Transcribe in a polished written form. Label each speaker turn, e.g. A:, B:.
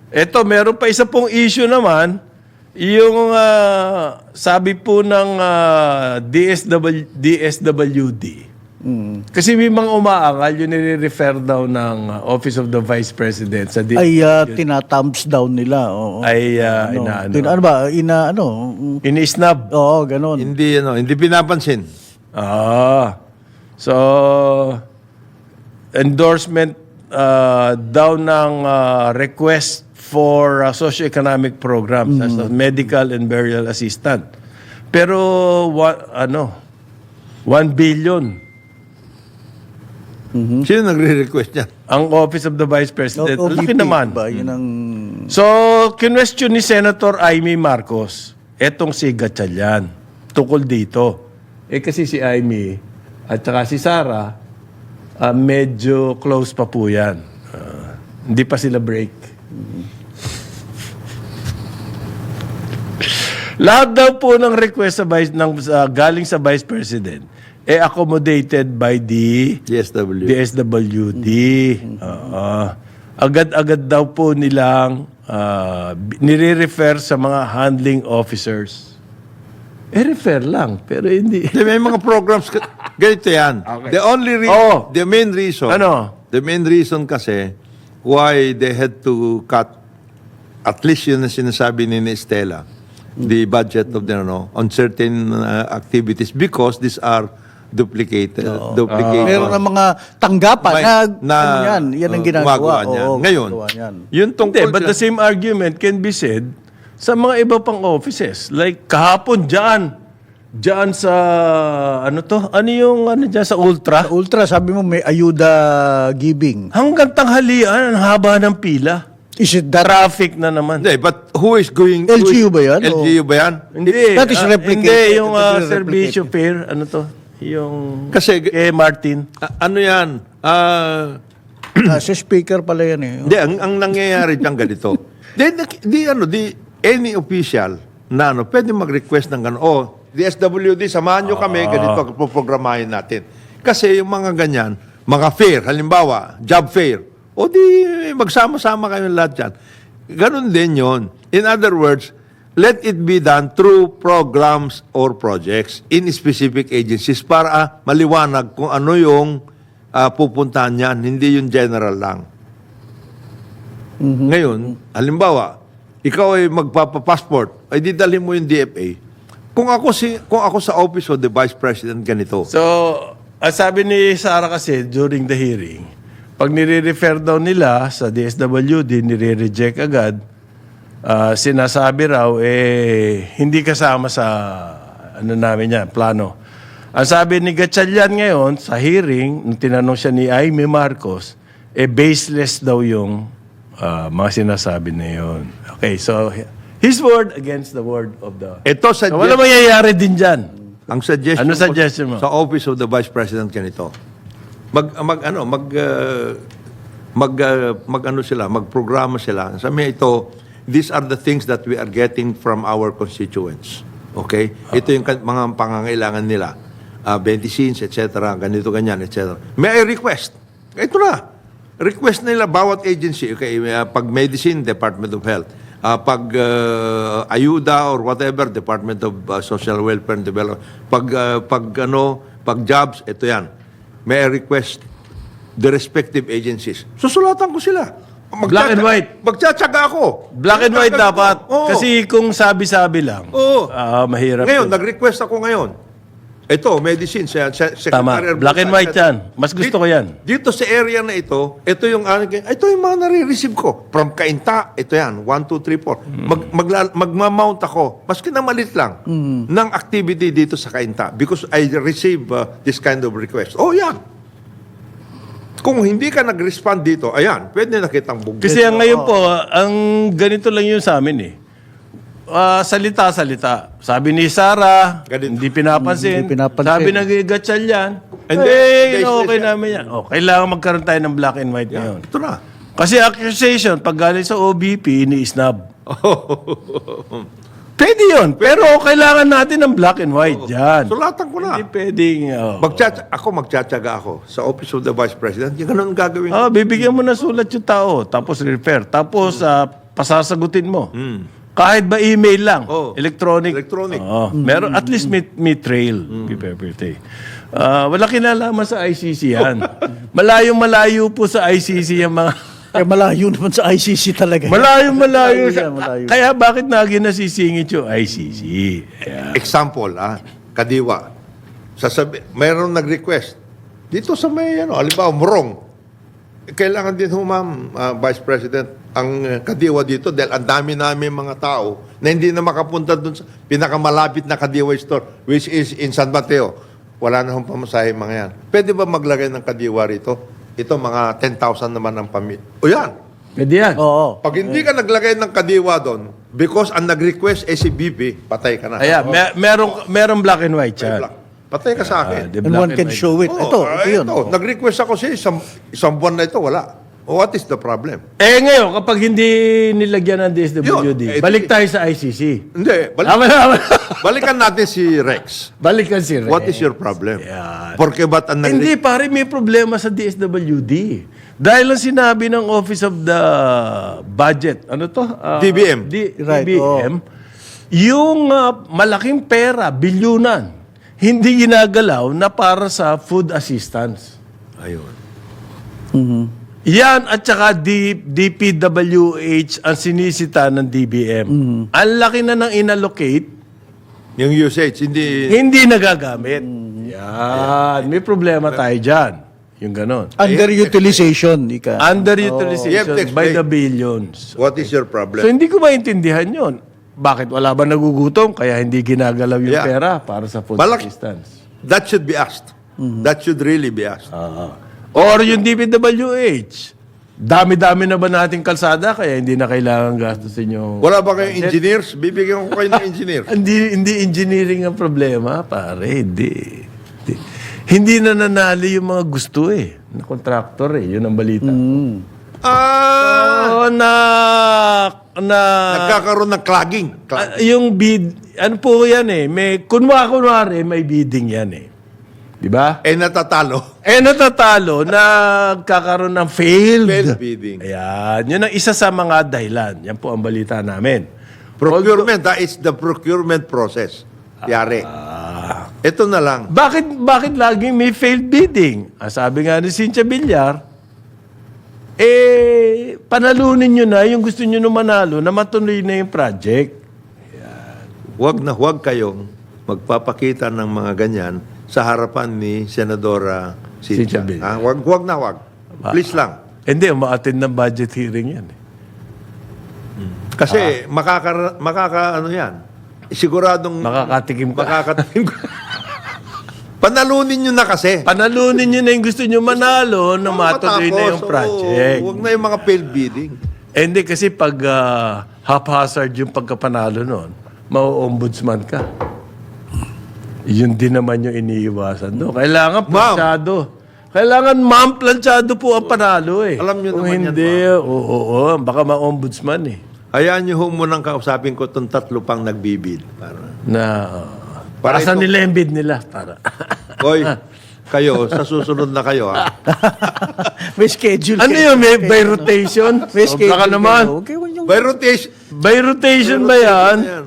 A: Eto, meron pa isa pong issue naman, yung sabi po ng DSWD. Kasi may mga umaangal, yung nire-refer daw ng Office of the Vice President sa
B: Ay tina-thumbs down nila. Oo.
A: ay
B: Ano ba?
A: ini-snub.
B: Oo, ganun.
C: Hindi pinapansin.
A: So, endorsement daw ng request for socio-economic programs as a medical and burial assistant. Pero, 1 billion.
C: Sino nagre-request niya?
A: Ang Office of the Vice President. Laki naman.
B: Ba? Yun ang...
A: So, kinwestiyon ni Senator Amy Marcos, etong si Gatchalian, tukol dito. Kasi si Amy at saka si Sara, medyo close pa po yan. Hindi pa sila break. Lahat daw po ng request galing sa Vice President, accommodated by the DSWD. Agad-agad daw po nilang nire-refer sa mga handling officers. Refer lang, pero hindi.
C: May mga programs, ganito yan.
A: Okay.
C: The main reason, the main reason kasi why they had to cut, at least yun na sinasabi ni Estela, the budget of on certain activities because these are duplicated.
B: Meron ng mga tanggapan yan ang ginagawa.
C: Ngayon, yun tungkol
A: but the same argument can be said sa mga iba pang offices. Like kahapon dyan sa, dyan sa Ultra?
B: Sa Ultra, sabi mo may ayuda giving.
A: Hanggang tanghalian, ang haba ng pila.
B: Is it that?
A: Traffic na naman.
C: Hindi, but who is going...
B: LGU ba yan?
C: LGU ba yan?
A: Hindi.
B: That is replicated.
A: Hindi, yung
B: That is
A: servicio fair, yung
C: Kasi,
A: kay Martin.
C: ano yan?
B: Si speaker pala yan eh.
C: Hindi, ang nangyayari dyan ganito. Any official na pwede mag-request ng gano'n. DSWD, samahan nyo kami, ganito programahin natin. Kasi yung mga ganyan, mga fair, halimbawa, job fair, di magsama-sama kayo lahat dyan. Ganon din yon. In other words, let it be done through programs or projects in specific agencies para maliwanag kung ano yung pupuntahan niyan, hindi yung general lang. Ngayon, halimbawa, ikaw ay magpapa-passport, ay didalhin mo yung DFA. Kung ako sa Office of the Vice President ganito.
A: So, sabi ni Sara kasi during the hearing, pag nire-refer daw nila sa DSWD, nire-reject agad, sinasabi raw, hindi kasama sa namin yan, plano. Ang sabi ni Gatchalian ngayon, sa hearing, nung tinanong siya ni Amy Marcos, baseless daw yung mga sinasabi na yun. Okay, so, his word against the word of the... So, wala mangyayari din dyan.
C: Ang suggestion,
A: Ano suggestion mo?
C: Sa Office of the Vice President ganito. Magprograma sila. Sabi ito, these are the things that we are getting from our constituents. Okay? Ito yung mga pangangailangan nila. Medicines, etc. Ganito, ganyan, etc. May I request? Ito na. Request nila bawat agency. Okay, pag medicine, Department of Health. Pag ayuda or whatever, Department of Social Welfare and Development. Pag jobs, ito yan. May I request the respective agencies. Susulatan ko sila.
A: Black and white.
C: Magtsatsaga ako.
A: Black and white dapat.
C: Oo.
A: Kasi kung sabi-sabi lang, mahirap.
C: Ngayon,
A: yun.
C: nag-request ako ngayon. Ito, medicine, Secretary.
A: Tama. Black and white yan. Mas gusto ko yan.
C: Dito sa area na ito yung mga nare-receive ko. From Cainta, ito yan, 1, 2, 3, 4. Magmamount ako, maski na malit lang, ng activity dito sa Cainta because I receive this kind of request. Yan. Kung hindi ka nag-respond dito, ayan, pwede na kitang bugin.
A: Kasi ngayon po, ang ganito lang yun sa amin eh. Salita-salita. Sabi ni Sara, hindi pinapansin. Sabi ng Gatchalian, okay namin yan. Kailangan magkaroon tayo ng black and white ngayon.
C: Ito na.
A: Kasi accusation, pag galing sa OBP, ini-snub. Pwede yun. Pero kailangan natin ng black and white dyan.
C: Sulatan ko na.
A: Hindi pwedeng...
C: Magtsatsaga ako sa Office of the Vice President. Yung ganun gagawin.
A: Bibigyan mo na sulat yung tao. Tapos refer. Tapos pasasagutin mo. Kahit ba email lang,
C: Oh,
A: electronic.
C: electronic.
A: Oo. Meron, at least may trail. Wala kinalaman sa ICC yan. Malayong-malayo po sa ICC yung mga...
B: Eh, malayo naman sa ICC talaga.
A: Malayo-malayo.
B: Malayo.
A: Kaya bakit naging nasisingit yung ICC? Yeah.
C: Example, Kadiwa. Mayroon nag-request. Dito sa may, halimbawa, Morong. Kailangan din ma'am, Vice President, ang Kadiwa dito dahil ang dami namin mga tao na hindi na makapunta dun sa pinakamalapit na Kadiwa store, which is in San Mateo. Wala na hong pamasahe mga yan. Pwede ba maglagay ng Kadiwa rito? Ito, mga 10,000 naman ang pamilya. O yan.
A: Pwede yan.
B: Oo.
C: Pag hindi ka naglagay ng Kadiwa doon, because ang nag-request ay si BP, patay ka na.
A: Ayan, merong black and white
C: May
A: chat.
C: black. Patay ka sa akin.
A: The
B: And
A: black
B: one can
A: white.
B: show it. Ito yun.
C: Nag-request ako siya, isang buwan na ito, wala. What is the problem?
A: Ngayon, kapag hindi nilagyan ng DSWD,
C: Yun,
A: balik tayo sa ICC.
C: Hindi, balikan natin si Rex.
A: Balikan si Rex.
C: What is your problem?
A: Yan.
C: Porque ba't ang
A: Hindi, pare, may problema sa DSWD. Dahil lang sinabi ng Office of the Budget, ano to?
C: DBM.
B: Right,
A: DBM, yung malaking pera, bilyunan, hindi ginagalaw na para sa food assistance.
C: Ayun.
A: Yan at saka DPWH ang sinisita ng DBM. Ang laki na nang inallocate,
C: Yung usage,
A: hindi nagagamit. Yan. May problema tayo dyan. Yung ganon.
B: Underutilization, ika.
C: You have
A: Underutilization
C: to
A: by
C: explain.
A: the billions.
C: what is your
A: So
C: problem?
A: hindi ko maintindihan yon. Bakit wala ba nagugutom kaya hindi ginagalaw yung
C: Yeah.
A: pera para sa food
C: Balak-
A: assistance?
C: That should be asked. That should really be asked.
A: Or yung DPWH. Dami-dami na ba nating kalsada kaya hindi na kailangan gastusin yung...
C: Wala ba kayong engineers? Bibigyan ko kayo ng engineer.
A: Hindi engineering ang problema, pare. Hindi na nanali yung mga gusto na contractor Yun ang balita. So,
C: Nagkakaroon ng clogging.
A: yung bid, ano po yan may, kunwari, may bidding yan Di ba?
C: Natatalo.
A: Natatalo, nagkakaroon ng
C: Failed bidding.
A: Ayan, yun ang isa sa mga dahilan. Yan po ang balita namin.
C: Procurement, that is the procurement process. Yari. Ito na lang.
A: Bakit laging may failed bidding? Sabi nga ni Cynthia Villar, panalunin nyo na yung gusto nyo na manalo na matuloy na yung project.
C: Huwag kayong magpapakita ng mga ganyan sa harapan ni Senadora
A: Cynthia
C: Cynthia.
A: Villar.
C: Huwag na huwag. Please lang.
A: Hindi, umaattend ng budget hearing yan.
C: Kasi ano yan. Siguradong
A: Makakatikim ka.
C: makakatikim ka. Panalunin nyo na kasi.
A: Panalunin nyo na yung gusto nyo manalo na matuloy na yung project.
C: Huwag na yung mga failed bidding.
A: Hindi kasi pag haphazard yung pagkapanalo nun, mau-ombudsman ka. Yun din naman yung iniiwasan. No? Kailangan planchado. Kailangan planchado po ang panalo
C: Alam nyo
A: Kung
C: naman yan,
A: hindi, oo, baka ma-ombudsman
C: Hayaan nyo munang kausapin ko itong tatlo pang nagbibid.
A: Para sa
C: ito-
A: nila yung bid nila. Para.
C: Hoy, kayo, sa susunod na kayo,
B: May schedule.
A: Ano yun? By rotation?
B: May
A: Sobra ka
B: schedule.
A: naman.
B: Okay,
C: By rotation.
A: By rotation ba yan?